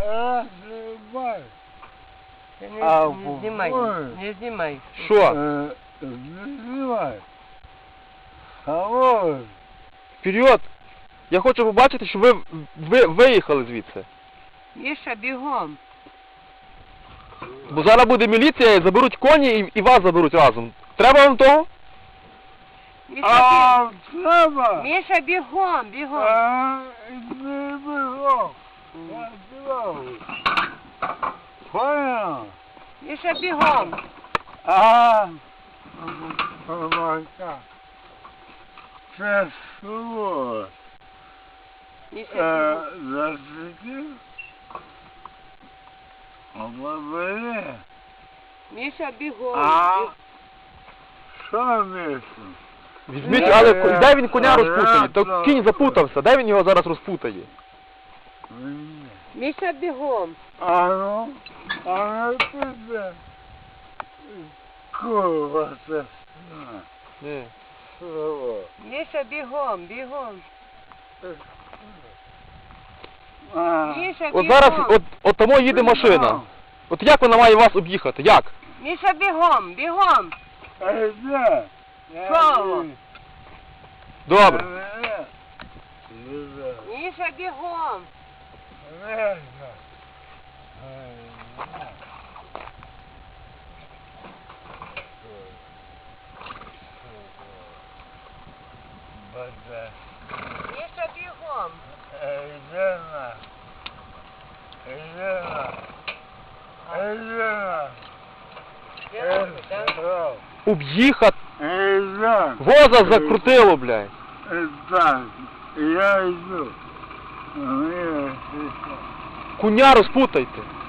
Ти А, не знімай, ой. не знімай. Що? Знімай. Алло. Вперед! Я хочу побачити, що ви виїхали звідси. Міша, бігом. Бо зараз буде міліція, і заберуть коні і вас заберуть разом. Треба вам того? Міша, А, треба. Міша, бігом, бігом. Не бігом. Я бігом. Понял? Міша, бігом. Помака. Це слово. Міша, Засвітив? Обабили? Міша, бігом. Що місце? Візьміть, але де він коня розпутає? То кінь запутався, де він його зараз розпутає? Міша, бігом. Ну піде. Курва це. Ні. Слово. Міша, бігом, бігом. Міша, От бігом. зараз, от тому їде машина. От як вона має вас об'їхати? Як? Міша, бігом, бігом. Де? Що? Добре. Міша, бігом. Міша, бігом. Об'їхати. Воза закрутило, блядь. Так, я йду. Коня розпутайте.